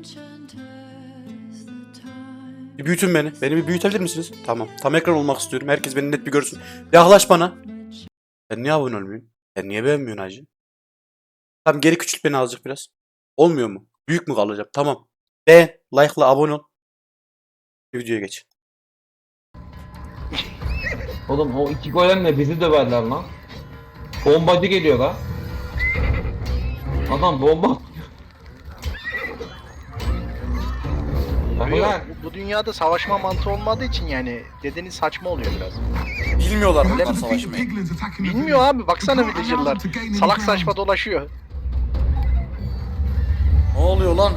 Bir büyütün beni. Beni bir büyütebilir misiniz? Tamam. Tam ekran olmak istiyorum. Herkes beni net bir görsün. Yaklaş bana. Sen niye abone olmuyorsun? Sen niye beğenmiyorsun hacı? Tamam, geri küçült beni azıcık biraz. Olmuyor mu? Büyük mü kalacağım? Tamam. Beğen, like'la abone ol. Videoya geç. Oğlum o iki golemle bizi döverler lan. Bombacı geliyor lan. Adam bomba. Yok, bu dünyada savaşma mantığı olmadığı için yani dediğiniz saçma oluyor biraz. Bilmiyorlar Öyle bunlar mi? savaşmayı. Bilmiyor abi, baksana villager'lar. Salak saçma dolaşıyor. Ne oluyor lan?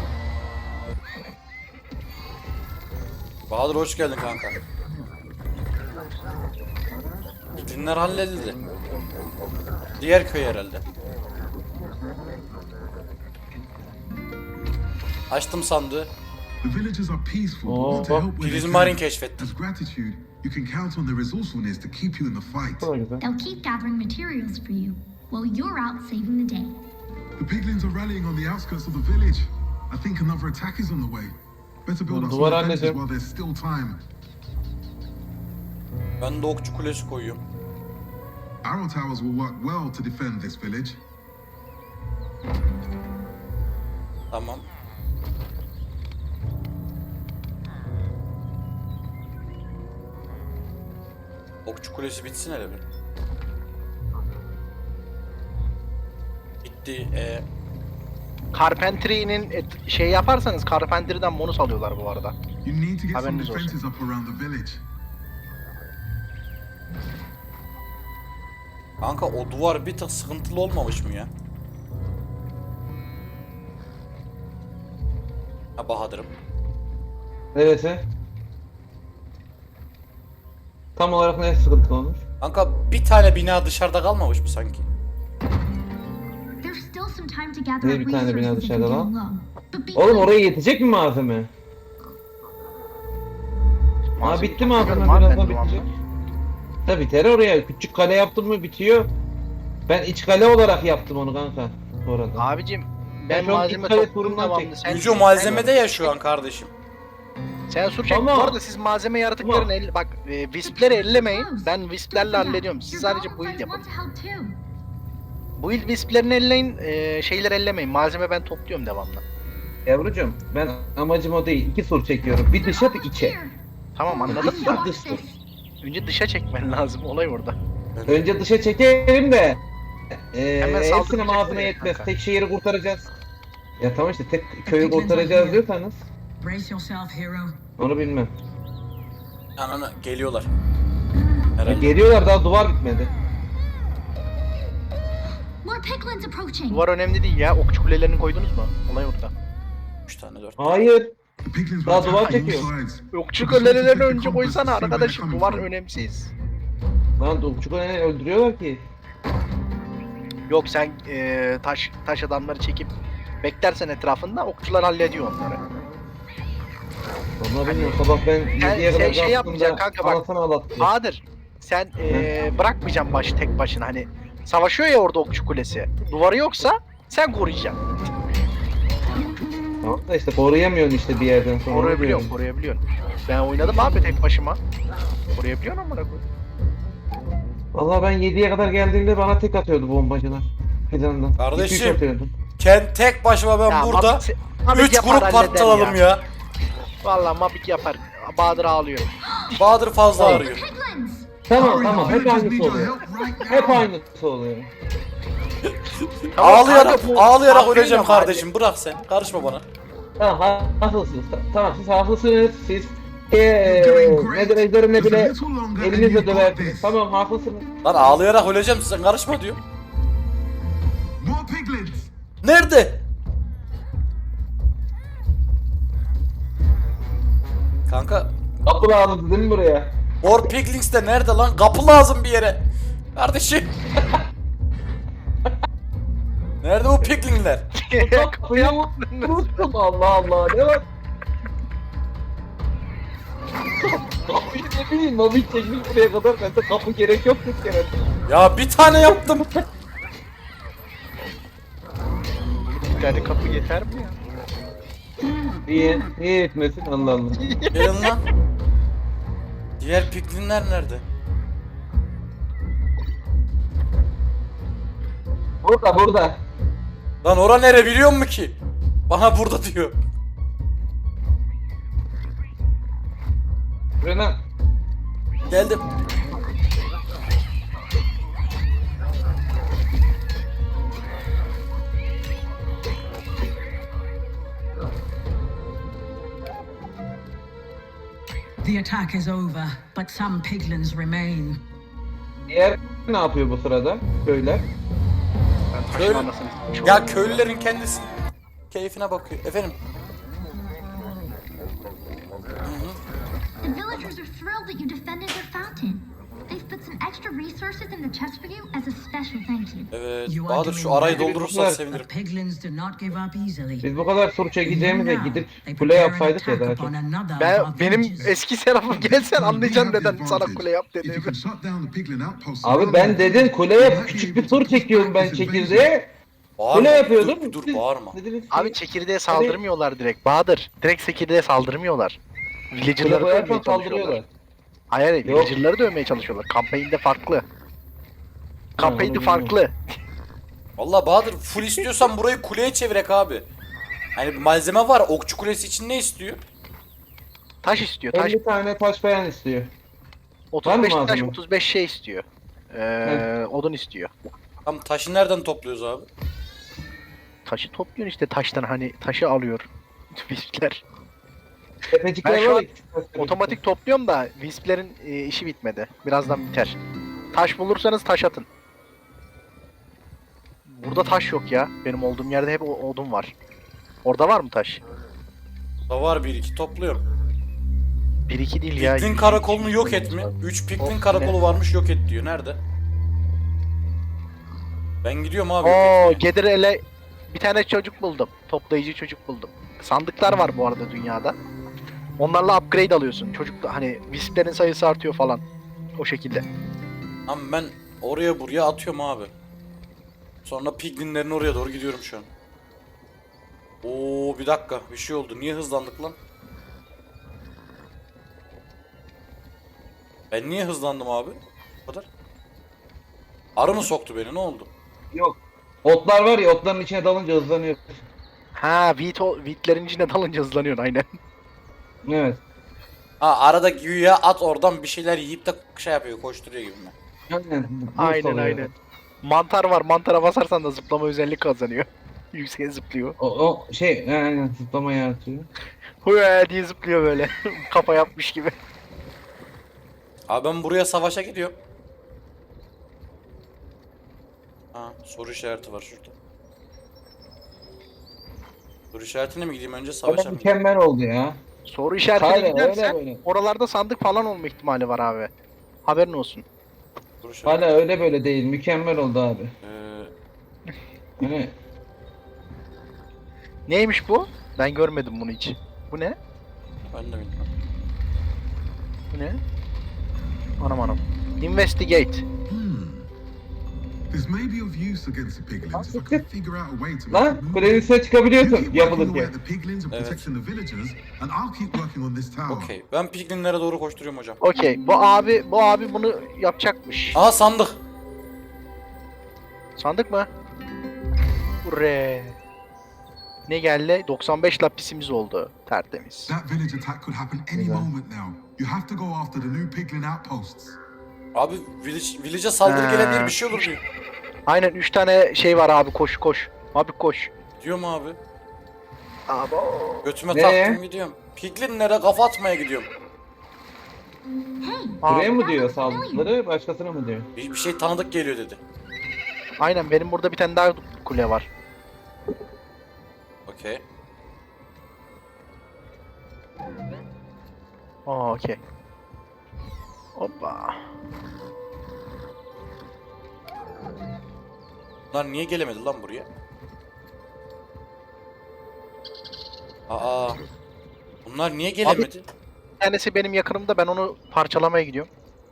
Bahadır hoş geldin kanka. Dinler halledildi. Diğer köy herhalde. Açtım sandığı. Prizmarin keşfettim. They'll keep gathering materials for you while you're out saving the day. The piglins are rallying on the outskirts of the village. I think another attack is on the way. Better build up some Duvar defenses halledeceğim. while there's still time. Ben de okçu kulesi koyuyorum. Arrow towers will work well to defend this village. Tamam. Okçu kulesi bitsin hele bir. Bitti. Carpentry'nin şey yaparsanız Carpentry'den bonus alıyorlar bu arada. You need to get some Haberiniz olsun. defenses up around the village. Kanka o duvar bir tık sıkıntılı olmamış mı ya? Ha Bahadır'ım. Neresi? Tam olarak ne sıkıntı olmuş? Kanka bir tane bina dışarıda kalmamış mı sanki? There's still some time to gather Ne up bir tane bina resources if dışarıda you're lan? getting low. But be Oğlum quick. oraya yetecek mi malzeme? Ha bitti malzeme, Malzeme birazdan topluyorum bitecek. Da biter oraya. Küçük kale yaptın mı bitiyor. Ben iç kale olarak yaptım onu kanka. Orada. Abicim Ben ben şu an malzeme ilk kale topluyorum turundan devamlı. çektim. Yüce malzemede ya şu an kardeşim. Sen sur çek. Bu Ama- arada siz malzeme yaratıklarını bak wisp'leri ellemeyin. Ben wisp'lerle hallediyorum. Siz sadece build yapın. Want to help too. Build wisp'lerini elleyin, şeyleri ellemeyin. Malzeme ben topluyorum devamlı. Yavrucuğum ben amacım o değil. İki sur çekiyorum. Bir dışa bir içe. Here. Tamam anladım Watch da dış tur. this. önce dışa çekmen lazım, olay orada. Önce dışa çekelim de Hemen hepsine saldıracak malzeme oraya yetmez. kanka. Tek şehri kurtaracağız. Ya tamam işte tek köyü kurtaracağız diyorsanız Brace yourself, hero. onu bilmem. Ananı geliyorlar. Ya Herhalde. geliyorlar, daha duvar bitmedi. More piglins approaching. Duvar önemli değil ya. Okçu kulelerini koydunuz mu? Olay orada. 3 tane 4. Hayır. The piglins Daha were duvar attacking çekiyor. all sides. Okçu kulelerini önce koysana arkadaşım. Duvar önemsiz. Lan Dukçuk öldürüyorlar ki. Yok sen taş adamları çekip beklersen etrafında okçular hallediyor onları. Vallahi bilmiyorum, sabah ben 7'ye kadar şey yapmayacaksın kanka bak. anasını ağlattı. Bahadır sen bırakmayacaksın tek başına, hani savaşıyor ya orada okçu kulesi. Duvarı yoksa sen koruyacaksın. Tamam da işte koruyamıyorsun işte bir yerden sonra. Koruyabiliyorsun, koruyabiliyorsun. Ben oynadım abi tek başıma. Koruyabiliyorsun amına koy. Vallahi ben 7'ye kadar geldiğimde bana tek atıyordu bombacılar. Fidandan. Kardeşim. 2-3 atıyordu. Tek başıma ben Ya, burada Mabik 3 yapar, grup halleder patlatalım ya. Vallahi Mabik yapar. Bahadır ağlıyor. Bahadır fazla arıyor. Piglins. Tamam Hurry, tamam, the hep villagers need aynısı your oluyor. help right Hep now. aynısı oluyor. Ağlayarak kanka, bu ağlayarak aferin öleceğim ama kardeşim. Bırak sen. Karışma bana. Tamam haklısınız. Tamam siz haklısınız. Siz nedir ejderimle Just a bile little longer and elinizle you've got döversiniz. this. Tamam haklısınız. Lan ağlayarak öleceğim, sen karışma diyor. More piglins. Nerede? Kanka Kapı lazım değil mi buraya? War Piglins de nerede lan? Kapı lazım bir yere. Kardeşim. Nerede bu piglinler? Kapıyı unuttum, Allah Allah, ne var? Kapıyı ne bileyim, Mabik çekmiş buraya kadar, bende kapı gerek yok bir kere. Ya bir tane yaptım. Bir tane kapı yeter mi ya? Niye etmesin Allah Allah. Gelin lan. Diğer piklinler nerede? Burada. Lan ora nere biliyor musun ki? Bana burada diyor. Buraya Geldim. The attack is over, but some piglins remain. diğer ne yapıyor bu sırada? Köyler. Ben taşın Öyle. anasını s**eyim. Ya köylülerin kendisi keyfine bakıyor. Efendim. The villagers are thrilled that you defended their fountain. They've put some extra resources in the chest for you as a special thank you. Evet. You are Bahadır doing şu arayı well, doldurursan but sevinirim. but piglins do not give up easily. Biz bu kadar sur çekeceğimize Now, gidip they kule prepare an yapsaydık ya attack daha çok. upon another of our Benim villages. eski serafım gelsen We anlayacaksın have the neden sana advantage. kule yap If you dediğimi. can shut down the piglin outposts Abi around ben them, dedim kule we yap, might be küçük able bir to tur push çekiyorum back ben this invasion. çekirdeğe. Bağırma. Kule yapıyordum. Dur bağırma. Dediniz ki, Abi çekirdeğe saldırmıyorlar direkt. Bahadır. Direkt çekirdeğe saldırmıyorlar. kule Villager'ları dövmeye koyarsan çalışıyorlar. saldırıyorlar. Hayır, Yok. villager'ları dövmeye çalışıyorlar. Campaign'de farklı. Campaign'de onu farklı. Vallahi Bahadır full istiyorsan burayı kuleye çevirek abi. Hani malzeme var. Okçu kulesi için ne istiyor? Taş istiyor. Taş 50 tane taş falan istiyor. 35 var mı taş malzeme? 35 şey istiyor. Odun istiyor. Tam taşı nereden topluyoruz abi? Taşı topluyorsun işte taştan hani taşı alıyor. Wisp'ler. Tepecikler Ben şu var an ya, küçük taşlar. Otomatik topluyorum da Wisp'lerin işi bitmedi. Birazdan biter. Taş bulursanız taş atın. Burada taş yok ya. Benim olduğum yerde hep odun var. Orada var mı taş? Da var bir iki topluyorum. 1-2 değil ya. Piklin karakolunu yok et mi? 3 Piklin karakolu varmış yok et diyor. Nerede? Ben gidiyorum abi. yok Oo, etmeye. Gedirele bir tane çocuk buldum. Toplayıcı çocuk buldum. Sandıklar var bu arada dünyada. Onlarla upgrade alıyorsun. Çocuk hani Wisp'lerin sayısı artıyor falan. O şekilde. Ama ben oraya buraya atıyorum abi. Sonra Piglinlerin oraya doğru gidiyorum şu an. Oo bir dakika bir şey oldu. Niye hızlandık lan? Ben niye hızlandım abi? Bu kadar. Arı mı soktu beni? Ne oldu? Yok. Otlar var ya, otların içine dalınca hızlanıyor. Ha, wheatlerin içine dalınca hızlanıyorsun aynen. Evet. Ha arada güya at oradan bir şeyler yiyip de şey yapıyor, koşturuyor gibi mi? Aynen. Aynen aynen. Mantar var. Mantara basarsan da zıplama özellik kazanıyor. Yükseğe zıplıyor. O şey aynen zıplama yaratıyor. Hıya diye zıplıyor böyle. Kafa yapmış gibi. Abi ben buraya savaşa gidiyorum. Ha soru işareti var şurada. Soru işaretine mi gideyim önce savaşa Ama mı gideyim? mükemmel oldu ya. Soru işaretine Hala öyle gidersen böyle. oralarda sandık falan olma ihtimali var abi. Haberin olsun. Soru işareti. Hala öyle böyle değil. Mükemmel oldu abi. Yani Neymiş bu? Ben görmedim bunu hiç. Bu ne? Ben de bilmiyorum. Bu ne? Anam anam. Investigate. This may be of use against the piglins if I can figure out a way to make lan it move. kulenin üstüne You çıkabiliyorsun keep working away yapılırken. at the piglins and Evet. protecting the villagers, and I'll keep working on this tower. Okey. Ben Piglinlere doğru koşturuyorum hocam. Okey. Bu abi bunu yapacakmış. Aha sandık. Sandık mı? Hurre. Ne geldi? 95 lapisimiz oldu. Tertemiz. That village attack could happen any moment now. You have to go after the new piglin outposts. Abi village'e saldırı Ha. gelebilir bir şey olur diyor. Aynen 3 tane şey var abi, koş koş. Abi koş. Diyor mu abi? Abi. Götüme Ne? taktım gidiyorum. Piglinlere kafa atmaya gidiyorum. Hey, Buraya mı that diyor looks familiar. saldırıları başkasına mı diyor? Bir şey tanıdık geliyor dedi. Aynen benim burada bir tane daha kule var. Okey. Aa okey. Hoppa. Bunlar niye gelemedi lan buraya? Aa. Bunlar niye gelemedi? Bir tanesi benim yakınımda, ben onu parçalamaya gidiyorum.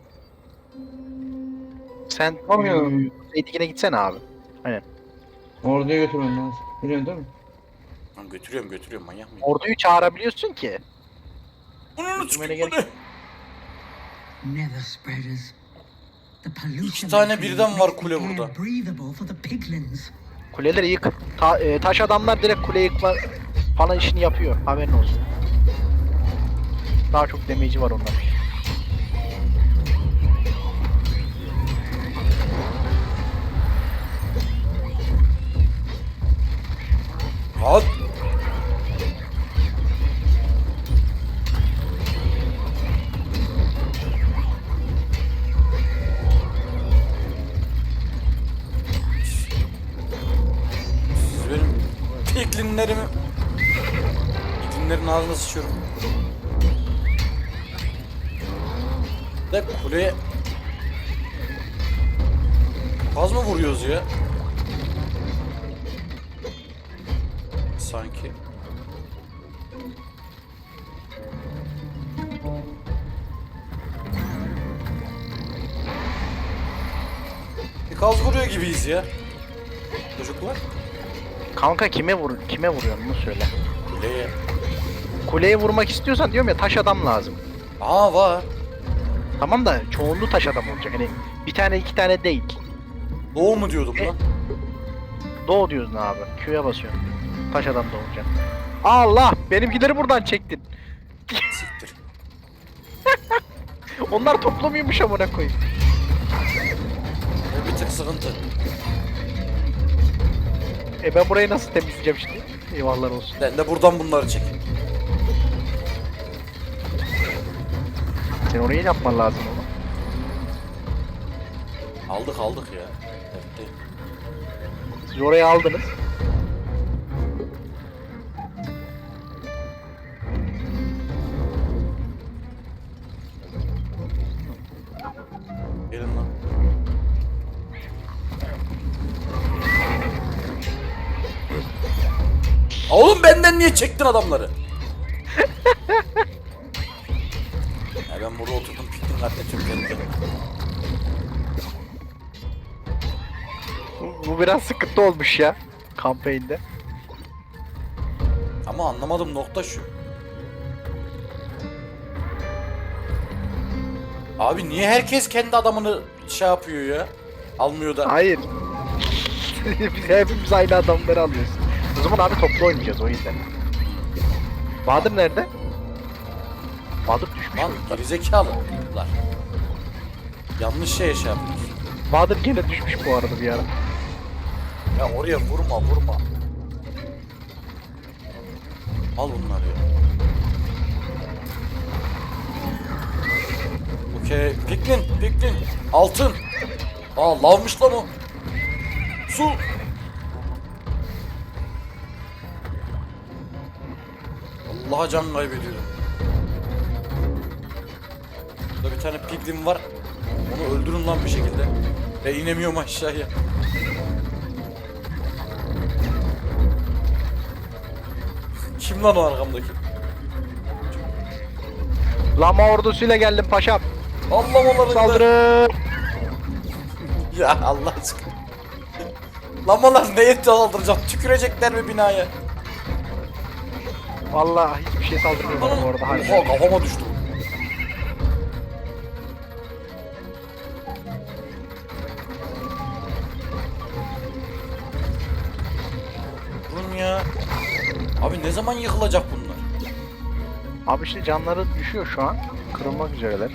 Sen Yapamıyorum. Zeytin'e gitsene abi. Orduya götürmen lazım. Biliyorsun değil mi? götürüyorum manyak mıyım? Orduyu çağırabiliyorsun ki. Bunu Götürmene çıkıyor. gerek- Nether spreaders. The pollution İki tane they create birden var makes the kule air burada. breathable for the piglins. Kuleleri yık. Taş adamlar direkt kule yıkma falan işini yapıyor. Haberin olsun. Daha çok damage'i var onların. At. Siz benim piklinlerimi... Piklinlerin ağzına sıçıyorum. De kuleye... Az mı vuruyoruz ya? Sanki. Bir kaz vuruyor gibiyiz ya. Çocuklar. Kanka kime vuruyorsun bunu söyle. Kuleye. Kuleye vurmak istiyorsan diyorum ya taş adam lazım. Aa var. Tamam da çoğunluğu taş adam olacak. Hani bir tane iki tane değil. Doğu mu diyordum lan? Doğu diyorsun abi. Q'ya basıyorsun. Taş adam da olacak. Allah! Benimkileri buradan çektin. Siktir. Onlar toplamıyormuş amına koyayım. O bir tık sıkıntı. Ben burayı nasıl temizleyeceğim şimdi? Eyvallah olsun. Ben de buradan bunları çek. Sen orayı yapman lazım ama. Aldık ya. Evet, değil. Siz orayı aldınız. Gelin lan. Oğlum benden niye çektin adamları? Ya ben burada oturdum piknik katletiyorum kendimi. Bu biraz sıkıntı olmuş ya. Kampanyada. Ama anlamadım nokta şu. Abi niye herkes kendi adamını şey yapıyor ya? Almıyor da. Hayır. Biz hepimiz aynı adamları alıyoruz. O zaman abi toplu oynayacağız o yüzden. Bahadır nerede? Bahadır düşmüş. Lan oyundan. gerizekalılar. Yanlış şeye şey yapıyorsun. Bahadır gene düşmüş bu arada bir ara. Ya oraya vurma. Al bunları ya. Okey. Piklin. Altın. Aa lavmış lan o. Su. Allah'a can kaybediyorum. Burada bir tane piglin var. Onu öldürün lan bir şekilde. Ve inemiyorum aşağıya. Kim lan o arkamdaki? Lama ordusuyla geldim paşam. Allah onları da- Saldırın. Ya Allah aşkına. Lamalar neye saldıracak? Tükürecekler mi binaya? Vallahi hiçbir şey saldırmıyor bana bu arada. Hadi. Oha kafama düştü. Durun ya. Abi ne zaman yıkılacak bunlar? Abi işte canları düşüyor şu an. Kırılmak üzereler.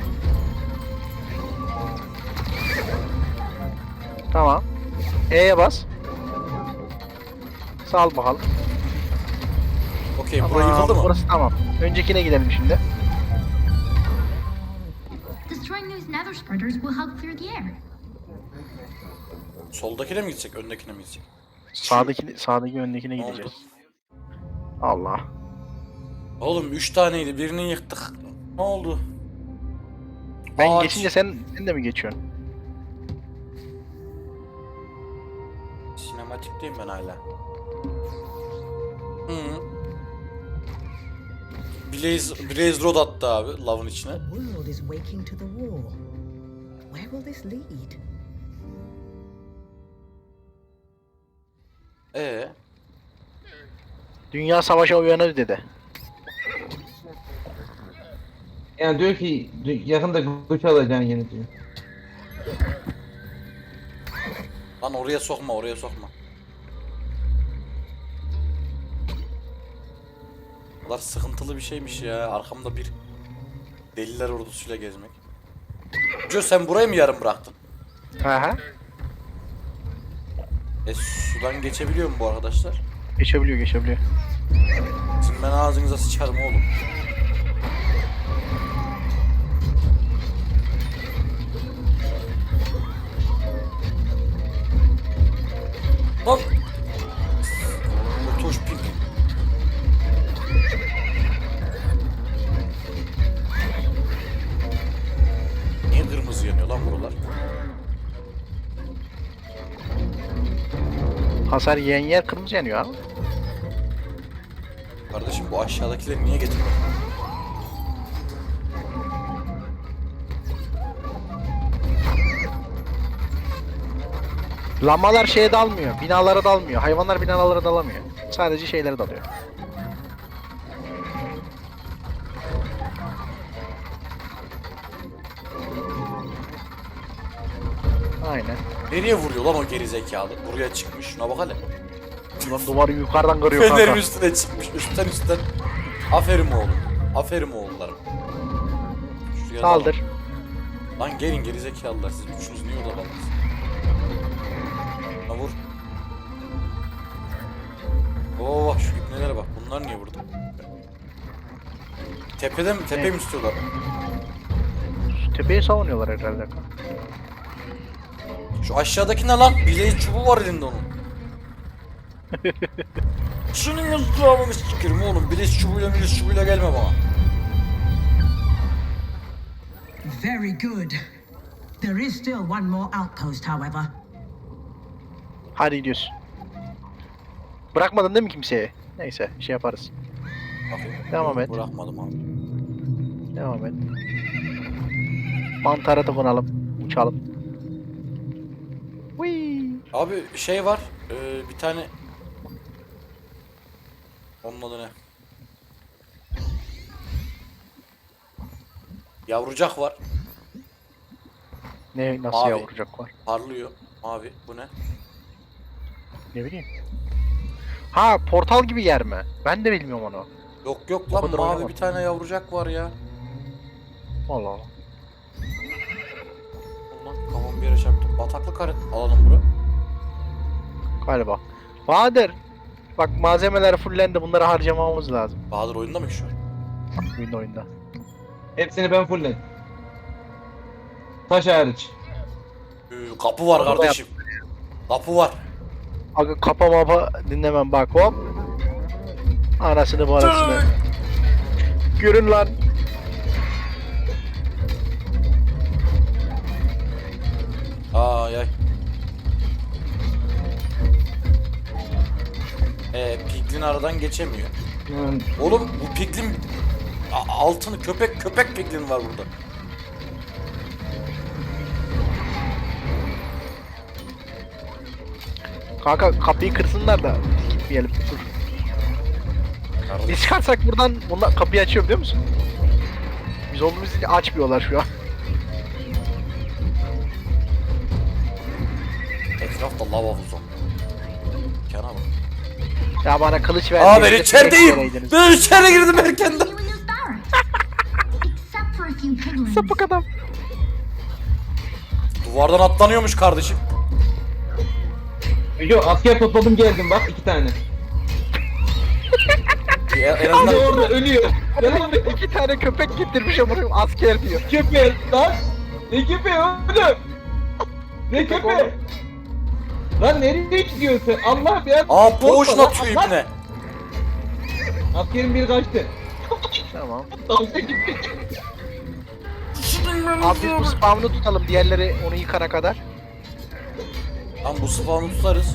Tamam. E'ye bas. Sal bakalım. Okey burası yıkıldı mı? Burası tamam. Öncekine gidelim şimdi. Destroying those nether spreaders will help clear the air. Soldakine mi gidecek, öndekine mi gidecek? Sağdaki öndekine Ne oldu? gideceğiz. Allah. Oğlum 3 taneydi, birini yıktık. Ne oldu? Ben Ağaç. geçince sen de mi geçiyorsun? Sinematikteyim ben hala. Hı. Blaze Rod attı abi lavın içine. The world is waking to the war. Where will this lead? Dünya savaşa uyanır dedi. Yani diyor ki yakında güç alacaksın yeni diyor. Lan oraya sokma, oraya sokma. O kadar sıkıntılı bir şeymiş ya. Arkamda bir deliler ordusuyla gezmek. Joe sen burayı mı yarım bıraktın? Aha. Sudan geçebiliyor mu bu arkadaşlar? Geçebiliyor geçebiliyor. Sizin ben ağzınıza sıçarım oğlum. Lan! Otoş pink. Niye kırmızı yanıyor lan buralar? Hasar yiyen yer kırmızı yanıyor abi. Kardeşim bu aşağıdakileri niye getirdin? Lambalar şeye dalmıyor, binalara dalmıyor. Hayvanlar binalara dalamıyor. Sadece şeylere dalıyor. Aynen. Nereye vuruyor lan o geri zekalı? Buraya çıkmış. Şuna bak hele. Ulan duvarı yukarıdan kırıyor Fenerin kanka. üstüne çıkmış. Üstten. Aferin oğlum. Aferin oğullarım. Şuraya Saldır. dalın. Lan gelin geri zekalılar. Siz üçünüz niye orada kaldınız? Lan vur. Oo bak şu ipnelere bak. Bunlar niye burada? Tepede mi? Tepe mi istiyorlar? Tepeyi savunuyorlar herhalde kanka. Şu aşağıdaki ne lan? Bileği çubuğu var elinde onun. Şunun ızdırabını sikerim oğlum. Bileği çubuğuyla gelme bana. Very good. There is still one more outpost, however. Hadi gidiyoruz. Bırakmadın değil mi kimseye? Neyse şey yaparız. Bakayım. Devam et. Bırakmadım abi. Devam et. Mantara da konalım. Uçalım. Whee! Abi şey var. Bir tane. Onun adı ne? Yavrucak var. Ne nasıl Mavi. yavrucak var? Parlıyor. Mavi. Bu ne? Ne bileyim. Ha portal gibi yer mi? Ben de bilmiyorum onu. Yok yok O lan kadar mavi oynamadım. bir tane yavrucak var ya. Allah Allah. Ulan kafam bir yere çarptı. Bataklık alalım bura. Galiba. Bahadır. Bak malzemeler fullendi. Bunları harcamamız lazım. Bahadır oyunda mı şu an? Bak oyunda. Hepsini ben fullledim. Taş hariç. Kapı var Onu da kardeşim. Kapı var. Aga kapa mapa dinlemem bak hop. Anasını barasını. Görün lan. Ay ay. Piglin aradan geçemiyor. Hmm. Oğlum bu piglin altını köpek piglin var burada. Kanka kapıyı kırsınlar da biz gitmeyelim. Dur. Biz çıkarsak buradan bunlar kapıyı açıyor biliyor musun? Biz olduğumuz için açmıyorlar şu an. Etrafta lava havuzu. Kana bak. Ya bana kılıç ver. Aa ben içerideyim. Ben içeri girdim erkenden. You in those barracks. Except for a few piglins. Sapık adam. Duvardan atlanıyormuş kardeşim. Yo asker topladım geldim bak 2 tane. En Hadi azından orada ölüyor. Yanıma bir 2 tane köpek getirmiş ama asker diyor. köpeği lan. Ne köpeği oğlum? Ne köpeği? Lan nereye gidiyorsun? Allah ya. aa poğuşla Korkma lan, atıyor Allah! ipne. Askerin biri kaçtı. Tamam. Dalga gitti. Abi biz bu spawn'u tutalım diğerleri onu yıkana kadar. Lan bu spawn'u tutarız.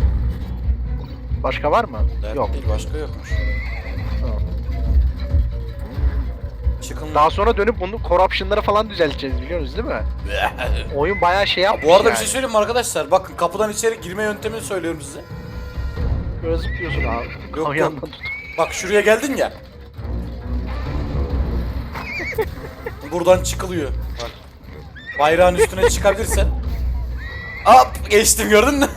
Başka var mı? Dert Yok. değil başka yokmuş. Tamam. Çıkın Daha sonra dönüp bunu corruption'ları falan düzelteceğiz biliyorsunuz değil mi? Oyun bayağı şey yapmış Bu arada bir yani. şey söyleyeyim mi arkadaşlar? Bakın kapıdan içeri girme yöntemini söylüyorum size. Böyle zıplıyorsun abi. Yok, Kamyondan yok. tut. Bak şuraya geldin ya. Buradan çıkılıyor. Bak. Bayrağın üstüne çıkabilirsen. Hop geçtim gördün mü?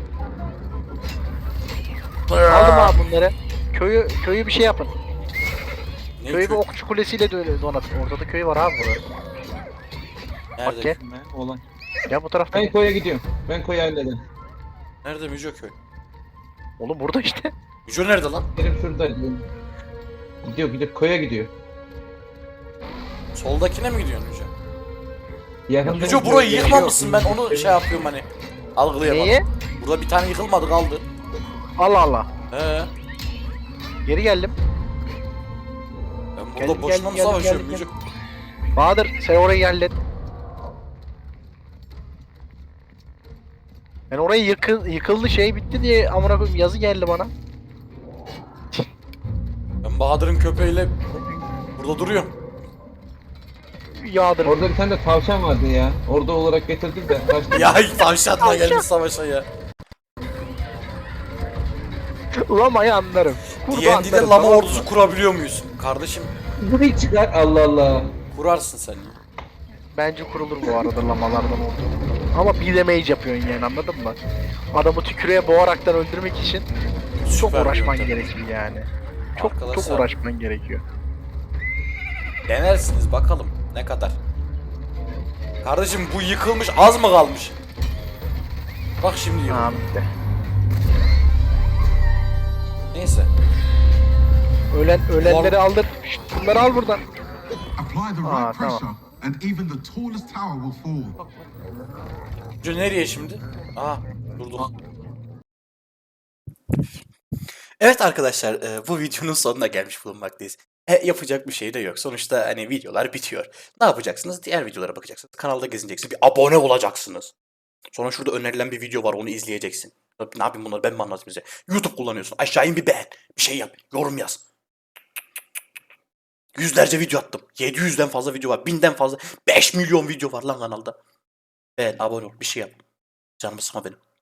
Aldım abi bunları. Köyü bir şey yapın. Ne Köyü bir köy? okçu kulesiyle donatın. Orada da köy var abi burada. Nerede? Bak gel. Olan. Gel bu tarafta. Ben koya gidiyorum. Ben koyu hallederim. Nerede Müco köy? Oğlum burada işte. Müco nerede lan? Benim şurada. Gidiyor koya gidiyor. Soldakine mi gidiyorsun Müco? Yakında Müco burayı yıkmamışsın, ben onu şey yapıyorum hani. Algılayamadım. Neyi? Burada bir tane yıkılmadı kaldı. Allah Allah. He. Geri geldim. Ben burada Geldim, boşuna mı geldim, savaşıyorum geldim, Müco? Bahadır sen orayı hallet. Ben orayı yıkıldı şey bitti diye amına koyayım yazı geldi bana. Ben Bahadır'ın köpeğiyle burada duruyorum. Yağdır. Orada bir tane de tavşan vardı ya. Orada olarak getirdik de kaçtı. Ya tavşanla geldi savaşa ya. Lamayı anlarım. D&D'de anlarım, lama tamam mı? ordusu kurabiliyor muyuz? Kardeşim Bu hiç çıkar Allah Allah. kurarsın sen ya. Bence kurulur bu arada lamalardan oldu. Ama bir damage yapıyorsun yani anladın mı? Adamı tükürüğe boğaraktan öldürmek için çok Süper bir uğraşman yöntem. gerekiyor yani. Çok Arkadaşlar, uğraşman gerekiyor. denersiniz bakalım ne kadar. Kardeşim bu yıkılmış az mı kalmış? Bak şimdi yıkıldı. Tamam işte. Neyse. Ölenleri aldır. Şşt, bunları al buradan. Apply the Ah, right pressure, tamam. and even the tallest tower will fall. Müco nereye şimdi? Aha durduk. Evet arkadaşlar bu videonun sonuna gelmiş bulunmaktayız. Yapacak bir şey de yok. Sonuçta hani videolar bitiyor. Ne yapacaksınız? Diğer videolara bakacaksınız. Kanalda gezineceksiniz. Bir abone olacaksınız. Sonra şurada önerilen bir video var, onu izleyeceksin. Ne yapayım bunları, ben mi anlatayım size? YouTube kullanıyorsun. Aşağı in bir beğen. Bir şey yap. Yorum yaz. Yüzlerce video attım. 700'den fazla video var. 1000'den fazla. 5 milyon video var lan kanalda. Beğen, abone ol. Bir şey yap. Canımı sıkma benim.